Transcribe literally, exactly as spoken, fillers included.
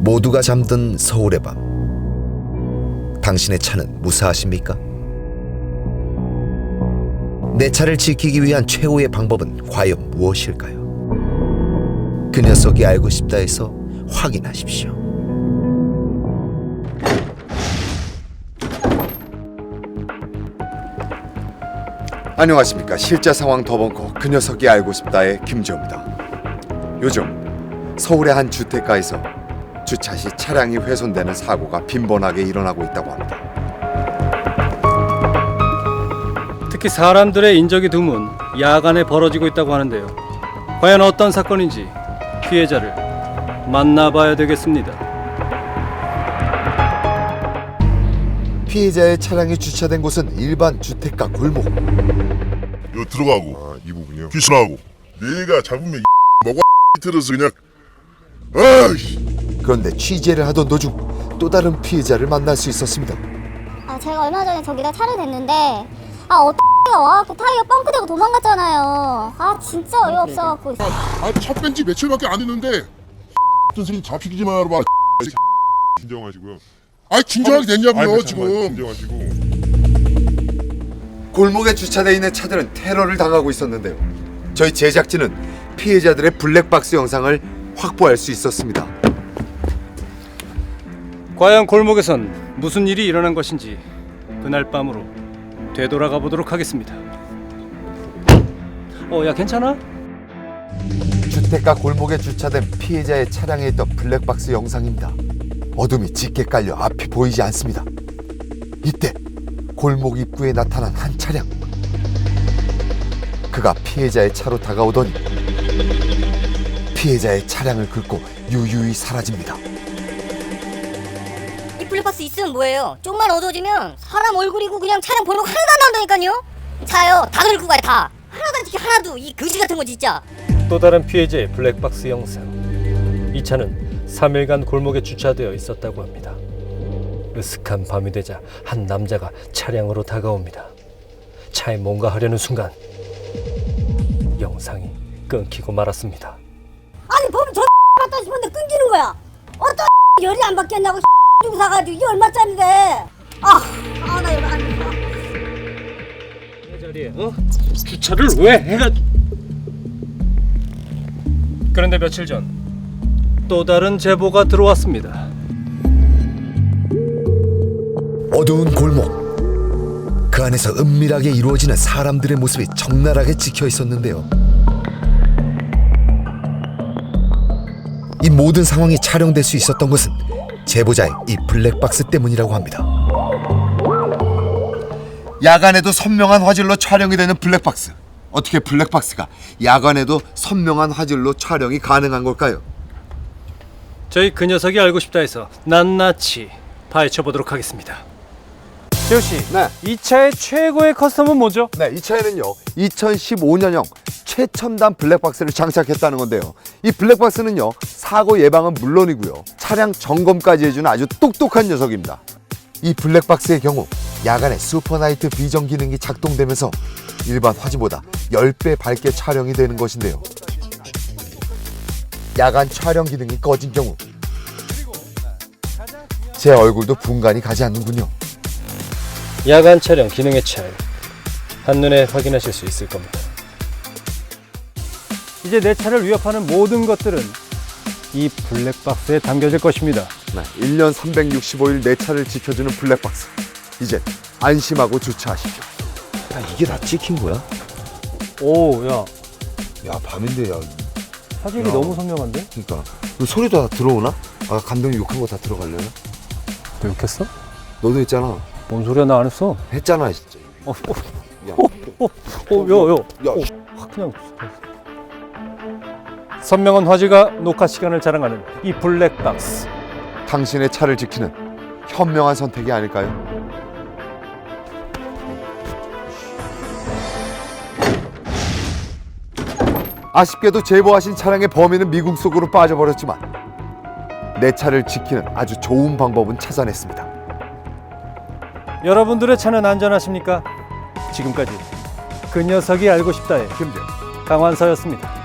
모두가 잠든 서울의 밤, 당신의 차는 무사하십니까? 내 차를 지키기 위한 최후의 방법은 과연 무엇일까요? 그 녀석이 알고 싶다에서 확인하십시오. 안녕하십니까. 실제 상황 더벙커 그 녀석이 알고 싶다의 김지호입니다. 요즘 서울의 한 주택가에서 주차 시 차량이 훼손되는 사고가 빈번하게 일어나고 있다고 합니다. 특히 사람들의 인적이 드문 야간에 벌어지고 있다고 하는데요. 과연 어떤 사건인지 피해자를 만나봐야 되겠습니다. 피해자의 차량이 주차된 곳은 일반 주택가 골목. 요 들어가고 아, 이 부분이요. 귀신하고 내가 잡으면 이 먹어 들어서 그냥 아이씨. 그런데 취재를 하던 도중 또 다른 피해자를 만날 수 있었습니다. 아 제가 얼마 전에 저기다 차를 댔는데 아 어떤 X가 와갖고 타이어 뻥크대고 도망갔잖아요. 아 진짜 어이없어갖고. 아차 뺀지 며칠밖에 안 됐는데 선생님 잡히지 말아봐. 진정하시고요. 아 진정하게 됐냐고요 아니, 지금. 진정하시고. 골목에 주차되어 있는 차들은 테러를 당하고 있었는데요. 저희 제작진은 피해자들의 블랙박스 영상을 확보할 수 있었습니다. 과연 골목에선 무슨 일이 일어난 것인지 그날 밤으로 되돌아가 보도록 하겠습니다. 어, 야 괜찮아? 주택가 골목에 주차된 피해자의 차량에 있던 블랙박스 영상입니다. 어둠이 짙게 깔려 앞이 보이지 않습니다. 이때 골목 입구에 나타난 한 차량. 그가 피해자의 차로 다가오더니 피해자의 차량을 긁고 유유히 사라집니다. 이 블랙박스 있으면 뭐예요? 좀만 어두워지면 사람 얼굴이고 그냥 차량 번호가 하나도 안 나온다니까요. 차요 다 긁고 가요 다. 하나도 안 찍혀 하나도. 이 거지 같은 거 진짜. 또 다른 피해자의 블랙박스 영상. 이 차는 삼 일간 골목에 주차되어 있었다고 합니다. 으슥한 밤이 되자 한 남자가 차량으로 다가옵니다. 차에 뭔가 하려는 순간 영상이 끊기고 말았습니다. 아니 보면 저 맞다 싶은데 끊기는 거야. 어떤 열이 안 바뀌었냐고 주고 사가지고 이게 얼마짜리래. 아아 나 이거 안 돼. 내 자리에 어? 주차를 왜 해가? 그런데 며칠 전 또 다른 제보가 들어왔습니다. 어두운 골목, 그 안에서 은밀하게 이루어지는 사람들의 모습이 적나라하게 찍혀 있었는데요. 이 모든 상황이 촬영될 수 있었던 것은 제보자의 이 블랙박스 때문이라고 합니다. 야간에도 선명한 화질로 촬영이 되는 블랙박스. 어떻게 블랙박스가 야간에도 선명한 화질로 촬영이 가능한 걸까요? 저희 그 녀석이 알고 싶다 해서 낱낱이 파헤쳐 보도록 하겠습니다. 재호 씨, 네. 이 차의 최고의 커스텀은 뭐죠? 네, 이 차에는요 이천십오 년형 최첨단 블랙박스를 장착했다는 건데요. 이 블랙박스는요 사고 예방은 물론이고요 차량 점검까지 해주는 아주 똑똑한 녀석입니다. 이 블랙박스의 경우 야간에 슈퍼나이트 비전 기능이 작동되면서 일반 화질보다 십 배 밝게 촬영이 되는 것인데요. 야간 촬영 기능이 꺼진 경우 제 얼굴도 분간이 가지 않는군요. 야간 촬영 기능의 차이 한눈에 확인하실 수 있을 겁니다. 이제 내 차를 위협하는 모든 것들은 이 블랙박스에 담겨질 것입니다. 네, 일 년 삼백육십오 일 내 차를 지켜주는 블랙박스. 이제 안심하고 주차하십시오. 야, 이게 다 찍힌 거야? 오, 야, 야, 밤인데, 야, 사진이 야. 너무 선명한데? 그러니까 그 소리도 다 들어오나? 아, 감독님 욕한 거 다 들어가려나? 너 욕했어? 너도 했잖아. 뭔 소리야, 나 안 했어. 했잖아, 진짜. 어, 어, 야, 어, 어, 야, 야, 야, 어, 확 그냥. 선명한 화질과 녹화 시간을 자랑하는 이 블랙박스. 당신의 차를 지키는 현명한 선택이 아닐까요? 아쉽게도 제보하신 차량의 범인은 미궁 속으로 빠져버렸지만 내 차를 지키는 아주 좋은 방법은 찾아냈습니다. 여러분들의 차는 안전하십니까? 지금까지 그 녀석이 알고 싶다의 김재 강환서였습니다.